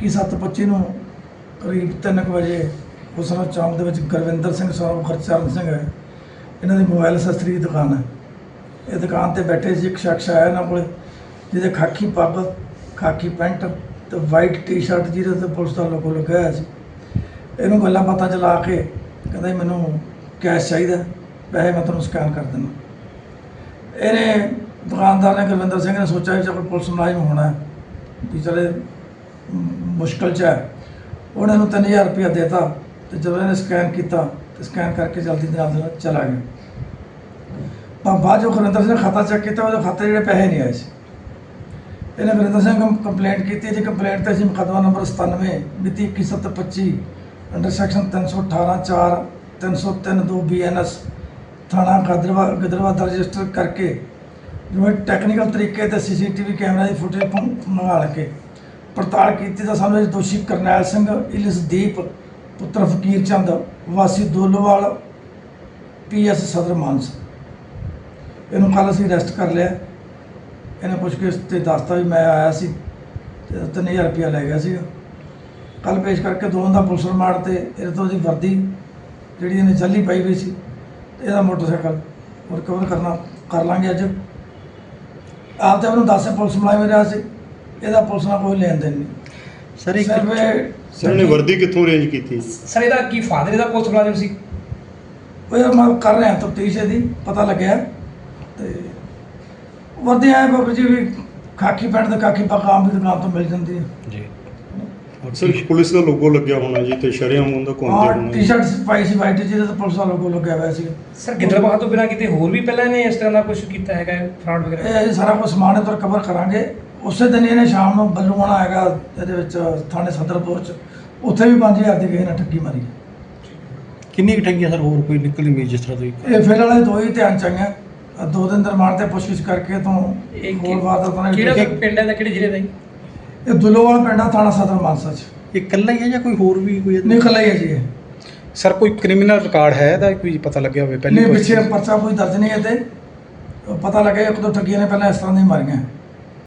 21/7/25 ਨੂੰ ਕਰੀਬ 3 ਵਜੇ ਹੁਸਨ ਚੌਂਕ ਦੇ ਵਿੱਚ ਗੁਰਵਿੰਦਰ ਸਿੰਘ ਸੌ ਗੁਰਚਰਨ ਸਿੰਘ ਹੈ, ਇਹਨਾਂ ਦੀ ਮੋਬਾਈਲ ਅਸੈਸਰੀ ਦੀ ਦੁਕਾਨ ਹੈ। ਇਹ ਦੁਕਾਨ ਤੇ ਬੈਠੇ ਸੀ, ਇੱਕ ਸ਼ਖਸ ਆਇਆ ਇਹਨਾਂ ਕੋਲ ਜਿਹਦੇ ਖਾਕੀ ਪੱਗ, ਖਾਕੀ ਪੈਂਟ ਤੇ ਵਾਈਟ ਟੀ-ਸ਼ਰਟ ਜਿਹਦੇ ਤੇ ਪੁਲਿਸ ਦਾ ਲੋਗੋ ਲੱਗਿਆ ਹੋਇਆ ਸੀ। ਇਹਨੂੰ ਗੱਲਾਂ ਬਾਤਾਂ 'ਚ ਲਾ ਕੇ ਕਹਿੰਦਾ ਜੀ ਮੈਨੂੰ ਕੈਸ਼ ਚਾਹੀਦਾ, ਪੈਸੇ ਮੈਂ ਤੁਹਾਨੂੰ ਸਕੈਨ ਕਰ ਦਿੰਦਾ। ਇਹਨੇ ਦੁਕਾਨਦਾਰ ਨੇ, ਗੁਰਵਿੰਦਰ ਸਿੰਘ ਨੇ ਸੋਚਿਆ ਵੀ ਕੋਈ ਪੁਲਿਸ ਮੁਲਾਜ਼ਮ ਹੋਣਾ ਵੀ ਚਲੇ ਮੁਸ਼ਕਿਲ 'ਚ ਹੈ। ਉਹਨੇ ਇਹਨੂੰ 3000 ਰੁਪਇਆ ਦੇਤਾ ਤੇ ਜਦੋਂ ਇਹਨੇ ਸਕੈਨ ਕੀਤਾ ਤੇ ਸਕੈਨ ਕਰਕੇ ਜਲਦੀ ਦੇ ਨਾਲ ਚਲਾ ਗਿਆ। ਪਰ ਬਾਅਦ ਜੋ ਗੁਰਵਿੰਦਰ ਸਿੰਘ ਨੇ ਖਾਤਾ ਚੈੱਕ ਕੀਤਾ, ਉਹਦੇ ਖਾਤੇ ਜਿਹੜੇ ਪੈਸੇ ਨਹੀਂ ਆਏ ਸੀ। ਇਹਨੇ ਗੁਰਵਿੰਦਰ ਸਿੰਘ ਨੂੰ ਕੰਪਲੇਂਟ ਕੀਤੀ। ਇਹਦੀ ਕੰਪਲੇਂਟ 'ਤੇ ਅਸੀਂ ਮੁਕੱਦਮਾ ਨੰਬਰ 97 ਮਿਤੀ 21/7/25 ਅੰਡਰ ਸੈਕਸ਼ਨ 318(4) 303(2) BNS ਥਾਣਾ ਗਿੱਦੜਬਾਹਾ ਦਾ ਰਜਿਸਟਰ ਕਰਕੇ ਜਿਵੇਂ ਟੈਕਨੀਕਲ ਤਰੀਕੇ ਤੇ CCTV ਕੈਮਰਾ ਦੀ ਫੁਟੇਜ ਮੰਗਾ ਕੇ ਪੜਤਾਲ ਕੀਤੀ ਤਾਂ ਸਾਨੂੰ ਇਹ ਦੋਸ਼ੀ ਕਰਨੈਲ ਸਿੰਘ ਇਲਸਦੀਪ ਪੁੱਤਰ ਫਕੀਰ ਚੰਦ ਵਾਸੀ ਦੋਲੋਵਾਲ PS ਸਦਰ ਮਾਨਸਾ, ਇਹਨੂੰ ਕੱਲ੍ਹ ਅਸੀਂ ਅਰੈਸਟ ਕਰ ਲਿਆ। ਇਹਨੇ ਪੁੱਛਗਿੱਛ ਤੇ ਦੱਸਤਾ ਵੀ ਮੈਂ ਆਇਆ ਸੀ ਤੇ 3000 ਰੁਪਇਆ ਲੈ ਗਿਆ ਸੀਗਾ। ਕੱਲ੍ਹ ਪੇਸ਼ ਕਰਕੇ ਦੋਵਾਂ ਦਾ ਪੁਲਿਸ ਰਿਮਾਂਡ ਤੇ ਇਹਦੇ ਤੋਂ ਉਹਦੀ ਵਰਦੀ ਜਿਹੜੀ ਇਹਨੇ ਜੱਲੀ ਪਾਈ ਹੋਈ ਸੀ ਤੇ ਇਹਦਾ ਮੋਟਰਸਾਈਕਲ ਰਿਕਵਰ ਕਰ ਲਾਂਗੇ ਅੱਜ। ਆਪ ਤਾਂ ਉਹਨੂੰ ਦੱਸ ਪੁਲਿਸ ਮੁਲਾਜ਼ਮ ਰਿਹਾ ਸੀ, ਇਹਦਾ ਪੁਲਿਸ ਨਾਲ ਕੋਈ ਲੈਣ ਦੇਣ ਨਹੀਂ। ਸਰ ਇੱਕ ਸਰ ਨੇ ਵਰਦੀ ਕਿੱਥੋਂ ਅਰੇਂਜ ਕੀਤੀ? ਸਰ ਇਹਦਾ ਕੀ ਫਾਦਰ ਇਹਦਾ ਪੁਲਿਸ ਮੁਲਾਜ਼ਮ ਸੀ? ਉਹ ਯਾਰ ਮੈਂ ਕਰ ਰਿਹਾ ਤਫਤੀਸ਼ ਇਹਦੀ, ਪਤਾ ਲੱਗਿਆ। ਤੇ ਵਰਦੀ ਆਏ ਬਾਬਾ ਜੀ ਵੀ ਖਾਕੀ ਪੈਂਟ ਤੇ ਖਾਕੀ ਪੱਗ ਆਮ ਦੀ ਦੁਕਾਨ ਤੋਂ ਮਿਲ ਜਾਂਦੀ ਹੈ ਜੀ। ਸਰ ਪੁਲਿਸ ਦਾ ਲੋਗੋ ਲੱਗਿਆ ਹੋਣਾ ਜੀ ਤੇ ਸ਼ਰੇਆਮ ਉਹਦਾ ਘੁੰਮਦੇ ਹੋਣਾ। ਟੀ-ਸ਼ਰਟ ਪਾਈ ਸੀ ਵਾਈਟ, ਜਿਹਦੇ ਤੇ ਪੁਲਿਸ ਦਾ ਲੋਗੋ ਲੱਗਿਆ ਹੋਇਆ ਸੀ। ਸਰ ਗਿੱਦੜਬਾਹਾ ਤੋਂ ਬਿਨਾਂ ਕਿਤੇ ਹੋਰ ਵੀ ਪਹਿਲਾਂ ਇਹਨੇ ਇਸ ਤਰ੍ਹਾਂ ਦਾ ਕੁਝ ਕੀਤਾ ਹੈਗਾ ਫਰਾਡ ਵਗੈਰਾ? ਇਹ ਸਾਰਾ ਕੁਝ ਸਮਾਨ ਇਹਦਾ ਰਿਕਵਰ ਕਰਾਂਗੇ। ਉਸੇ ਦਿਨ ਇਹਨੇ ਸ਼ਾਮ ਨੂੰ ਬੱਲੂ ਆਉਣਾ ਹੈਗਾ ਇਹਦੇ ਵਿੱਚ ਥਾਣੇ ਸਦਰਪੁਰ 'ਚ, ਉੱਥੇ ਵੀ 5000 ਦੀ ਕਿਸੇ ਨੇ ਠੱਗੀ ਮਾਰੀ। ਕਿੰਨੀ ਕੁ ਠੱਗੀਆਂ ਸਰ ਹੋਰ ਕੋਈ ਨਿਕਲੀ ਨਹੀਂ ਜਿਸ ਤਰ੍ਹਾਂ ਦੀ? ਇਹ ਫਿਰ ਵਾਲੇ ਦੋ ਹੀ ਧਿਆਨ ਚ ਆਈਆਂ। 2 ਦਿਨ ਦੇ ਰਿਮਾਂਡ ਤੇ ਪੁੱਛਗਿੱਛ ਕਰਕੇ ਤੋਂ ਹੋਰ ਵਾਰਦਾਤਾਂ ਕਿਹੜਾ ਨੇ। ਪਿੰਡ ਹੈ ਦਾ, ਕਿਹੜੇ ਜ਼ਿਲ੍ਹੇ ਦਾ ਜੀ? ਇਹ ਦੁੱਲੋਵਾਲ ਪਿੰਡ ਆ, ਥਾਣਾ ਸਦਰ ਮਾਨਸਾ 'ਚ। ਇਹ ਇਕੱਲਾ ਹੀ ਹੈ ਜਾਂ ਕੋਈ ਹੋਰ ਵੀ ਕੋਈ? ਨਹੀਂ ਇਕੱਲਾ ਹੀ ਹੈ ਜੀ ਇਹ। ਸਰ ਕੋਈ ਕ੍ਰਿਮੀਨਲ ਰਿਕਾਰਡ ਹੈ ਇਹਦਾ, ਕੋਈ ਪਤਾ ਲੱਗਿਆ ਹੋਵੇ ਨਹੀਂ ਪਿੱਛੇ ਪਰਚਾ ਕੋਈ ਦਰਜ ਨਹੀਂ ਹੈ ਤੇ ਪਤਾ ਲੱਗਿਆ ਇੱਕ ਦੋ ਠੱਗੀਆਂ ਨੇ ਪਹਿਲਾਂ ਇਸ ਤਰ੍ਹਾਂ ਦੀਆਂ ਮਾਰੀਆਂ।